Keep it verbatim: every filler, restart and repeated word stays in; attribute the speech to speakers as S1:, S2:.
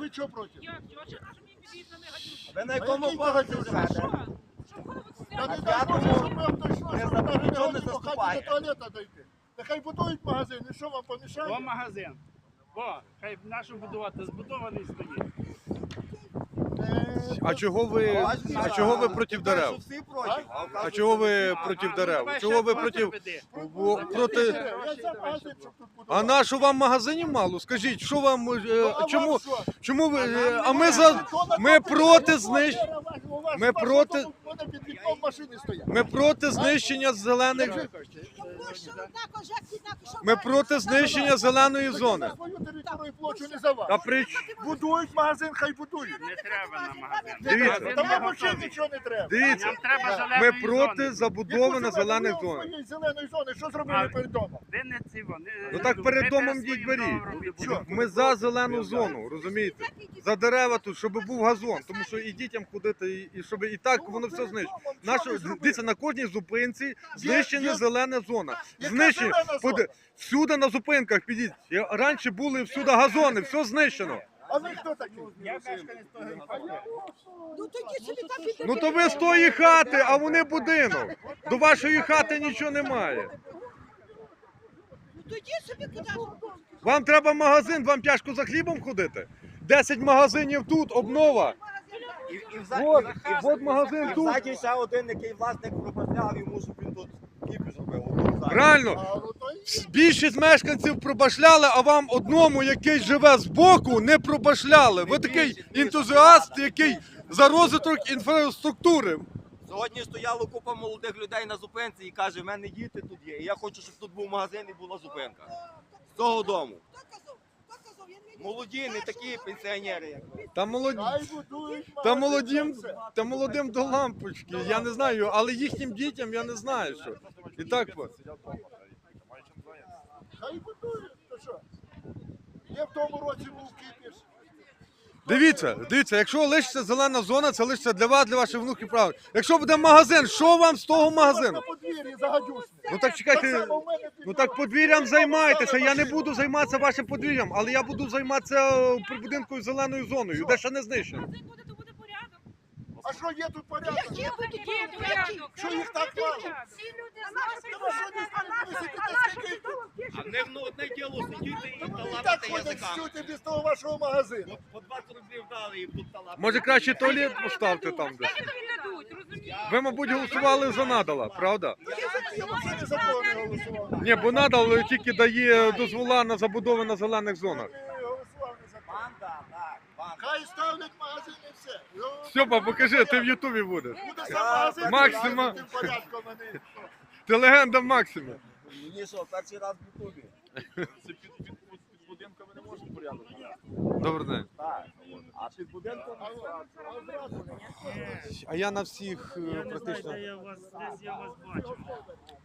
S1: ви чого проти?
S2: Як? Чого? Що наш мій під'їзд на негативку?
S3: Ви на якому поверсі живете?
S2: Що? Що коли ви
S1: Я не
S2: стояли?
S1: дай Боже, щоб ви точно,
S3: Не
S1: щоб
S3: за-
S1: навіть
S3: нічого
S1: не
S3: не
S1: до хаті
S3: заступає.
S1: до туалета дойти. Нехай будують магазин, і що вам
S4: О,
S1: помішає?
S4: магазин. О, хай нашу будувати, збудований стоїть.
S1: Е,
S5: А чого ви, а чого ви проти дерев?
S3: Всі проти.
S5: А чого ви проти
S4: А,
S5: дерев?
S4: давай
S5: Чого
S4: ще
S5: ви
S4: проти
S5: проти,
S4: веди.
S5: во- проти...
S1: Я за магазин, щоб тут
S5: А
S1: будувати.
S5: на що вам магазинів мало? Скажіть, що вам, е,
S1: Ну, а
S5: чому,
S1: вам що?
S5: чому ви, е,
S4: нам
S5: а ми
S4: не
S5: за,
S1: Вікно
S5: ми
S1: на
S5: проти
S1: квартирі,
S5: знищення,
S1: у вас
S5: ми
S1: ваш
S5: проти-
S1: автобус буде під вікном машини стоять.
S5: ми проти знищення зелених, ми проти знищення зеленої зони.
S1: Свою територію площу не за вас.
S5: Та при...
S1: Будують магазин, хай будують.
S4: Не треба на магазин.
S5: Дивіться.
S4: Магазин
S1: Та
S4: не
S1: вам взагалі
S4: готовий.
S1: нічого не треба.
S5: Дивіться,
S4: Нам треба
S5: ми
S4: зеленої
S5: проти
S4: зони.
S5: забудови на зелених
S1: Яку
S5: зонах.
S1: своєї зеленої зони, що зробили
S4: А-
S1: перед домом?
S4: Ви не ці вони.
S5: Ну так перед
S4: ви
S5: домом
S4: своїм
S5: йдіть беріть.
S4: домом робіть.
S1: Що?
S5: Ми за зелену зону, розумієте? За дерева тут, щоб був газон, тому що і дітям ходити, і, і щоб і так воно все знищено. Нашу, дивіться, на кожній зупинці знищена
S1: є-
S5: зелена зона.
S1: Яка
S5: Знищені.
S1: зелена зона?
S5: Поди- Всюди на зупинках підіть. Я- Раніше були всюди газони, все знищено.
S1: А ви хто такі?
S4: Я мешканець того квартиру.
S6: Ну тоді собі там піде.
S5: Ну то ви з тої хати, а вони будинок. До вашої хати нічого немає.
S6: Ну тоді собі куди?
S5: Вам треба магазин, вам тяжко за хлібом ходити. Десять магазинів тут, обнова.
S3: І, і, вза...
S5: От,
S3: і,
S5: от магазин
S3: і
S5: тут.
S3: взаді ще один, який власник пропасляв йому, щоб він тут кіпіш робив. Отут ззаді.
S5: Реально,
S1: А, ну, то і-
S5: більшість мешканців пробашляли, а вам одному, який живе збоку, не пробашляли. Ви такий ентузіаст, який за розвиток інфраструктури.
S3: Сьогодні стояла купа молодих людей на зупинці і каже, в мене діти тут є. І я хочу, щоб тут був магазин і була зупинка. З того дому.
S6: Хто казав? Хто казав? Я не
S3: Молоді, не такі пенсіонери, як ви.
S5: Та молоді.
S1: Хай будують
S5: Та
S1: магазин,
S5: молодим,
S1: все.
S5: та молодим до лампочки, я не знаю, але їхнім дітям я не знаю, що. І так от.
S1: Хай будують, то що? Я в тому році був кипіш.
S5: Дивіться, дивіться, якщо лишиться зелена зона, це лишиться для вас, для ваших внуків правильно. Якщо буде магазин, що вам з того магазину?
S1: На подвір'ї загадюсь.
S5: Ну так чекайте, ну так подвір'ям займайтеся. Я не буду займатися вашим подвір'ям, але я буду займатися е, прибудинкою зеленою зоною, де ще не знищено.
S2: Магазин буде, то буде порядок.
S1: А що є тут порядок?
S6: Є тут
S2: Є порядок.
S1: Що їх так мало?
S2: Всі люди
S1: Та що
S2: знають,
S1: ви сидите, скільки тут?
S3: А в них ну, одне діло сидіти і
S1: Та вони і так
S3: талапати
S1: ходять
S3: язиками.
S1: всюди без того вашого магазину.
S3: По двадцять рублів дали і тут талапати.
S5: Може краще туалет поставте там десь.
S2: Скільки тобі дадуть, розумієш?
S5: Ви, мабуть, голосували за надала, правда?
S1: Я взагалі за кого не голосував.
S5: Ні, бо надал тільки дає дозвола на забудови на зелених зонах.
S1: Я голосував не за кого.
S3: Банда, так, банда.
S1: Хай ставлять магазин і все. Ну,
S5: Стьопа, покажи, ти в Ютубі будеш.
S1: буде сам магазин,
S5: Максима.
S1: тим порядком вони.
S5: Ти легенда Максима.
S3: Мені що, перший раз в Ютубі.
S5: Добрий день.
S3: Так. А під будинком?
S5: А я на всіх е, практично.
S4: Я вас десь я вас бачив.